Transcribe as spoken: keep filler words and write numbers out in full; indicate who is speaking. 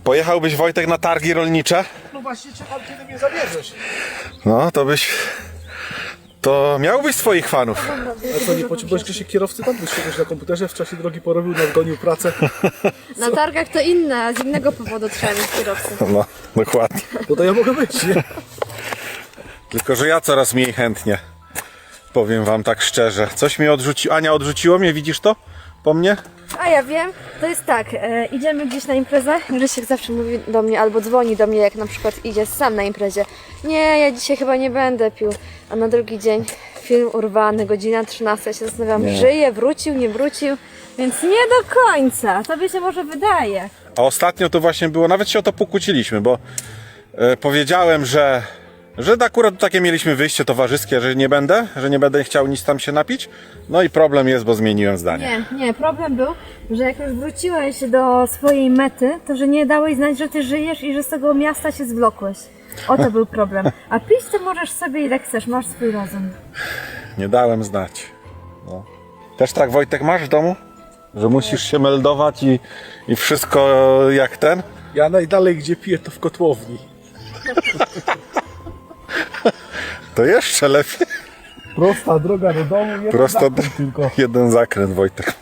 Speaker 1: Pojechałbyś, Wojtek, na targi rolnicze?
Speaker 2: No właśnie czekam, kiedy mnie zabierzesz.
Speaker 1: No, to byś... To miałbyś swoich fanów.
Speaker 2: A co, nie potrzebujesz Krzysiek kierowcy tam? Byś siedzieć na komputerze, w czasie drogi porobił, nadgonił pracę.
Speaker 3: Na targach to inne, z innego powodu trzeba mieć kierowcę.
Speaker 1: No, dokładnie.
Speaker 2: No to ja mogę być, nie?
Speaker 1: Tylko, że ja coraz mniej chętnie. Powiem wam tak szczerze. Coś mnie odrzuciło. Ania, odrzuciło mnie, widzisz to? Po mnie?
Speaker 3: A ja wiem, to jest tak, e, idziemy gdzieś na imprezę, Grzesiek zawsze mówi do mnie albo dzwoni do mnie, jak na przykład idzie sam na imprezie. Nie, ja dzisiaj chyba nie będę pił. A na drugi dzień film urwany, godzina trzynasta, ja się zastanawiam,
Speaker 1: Nie.
Speaker 3: żyje, wrócił, nie wrócił, więc nie do końca, tobie się może wydaje.
Speaker 1: A ostatnio to właśnie było, nawet się o to pokłóciliśmy, bo e, powiedziałem, że, że akurat takie mieliśmy wyjście towarzyskie, że nie będę, że nie będę chciał nic tam się napić. No i problem jest, bo zmieniłem zdanie.
Speaker 3: Nie, nie, problem był, że jak już wróciłeś do swojej mety, to że nie dałeś znać, że ty żyjesz i że z tego miasta się zwlokłeś. O to był problem. A pić to możesz sobie ile chcesz, masz swój rozum.
Speaker 1: Nie dałem znać. No. Też tak, Wojtek, masz w domu? Że musisz się meldować i, i wszystko jak ten?
Speaker 2: Ja najdalej gdzie piję to w kotłowni.
Speaker 1: To jeszcze lepiej.
Speaker 2: Prosta droga do domu, jeden
Speaker 1: Prosto
Speaker 2: zakręt tylko.
Speaker 1: jeden zakręt, Wojtek.